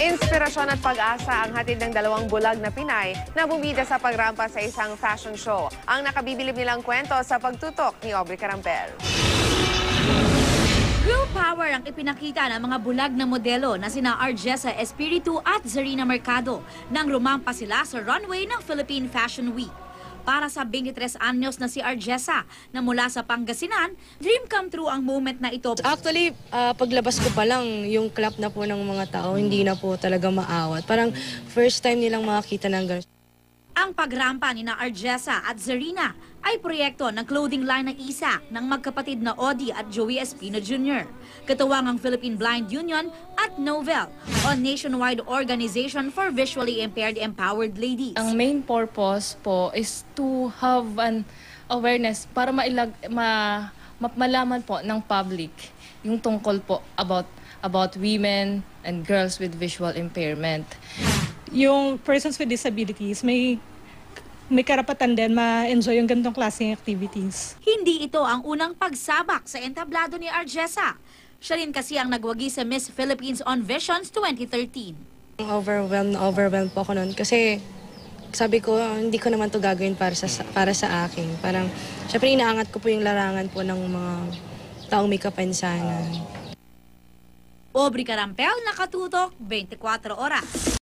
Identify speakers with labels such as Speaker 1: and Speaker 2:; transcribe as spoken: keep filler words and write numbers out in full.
Speaker 1: Inspirasyon at pag-asa ang hatid ng dalawang bulag na Pinay na bumida sa pagrampa sa isang fashion show. Ang nakabibilib nilang kwento sa pagtutok ni Aubrey Carampel.
Speaker 2: Girl power ang ipinakita ng mga bulag na modelo na sina Arjessa Espiritu at Zarina Mercado nang rumampa sila sa runway ng Philippine Fashion Week. Para sa twenty-tres anyos na si Arjessa na mula sa Pangasinan, dream come true ang moment na ito.
Speaker 3: Actually, uh, paglabas ko pa lang, yung clap na po ng mga tao, hindi na po talaga maawat. Parang first time nilang makakita ng ganun.
Speaker 2: Ang pagrampa ni na Arjessa at Zarina ay proyekto ng clothing line ng isa ng magkapatid na Audie at Joey Espino Junior Katuwang ang Philippine Blind Union at Novel, o nationwide organization for visually impaired empowered ladies.
Speaker 4: Ang main purpose po is to have an awareness para mailag, ma, ma, malaman po ng public yung tungkol po about, about women and girls with visual impairment.
Speaker 5: Yung persons with disabilities may may karapatan din ma-enjoy yung ganitong klaseng activities.
Speaker 2: Hindi ito ang unang pagsabak sa entablado ni Arjessa. Siya rin kasi ang nagwagi sa Miss Philippines on Visions twenty thirteen.
Speaker 3: Overwhelmed na overwhelmed po ako noon kasi sabi ko hindi ko naman to gagawin para sa para sa akin. Parang syempre inaangat ko po yung larangan po ng mga taong may kapansanan.
Speaker 2: Aubrey Carampel, nakatutok, twenty-four oras.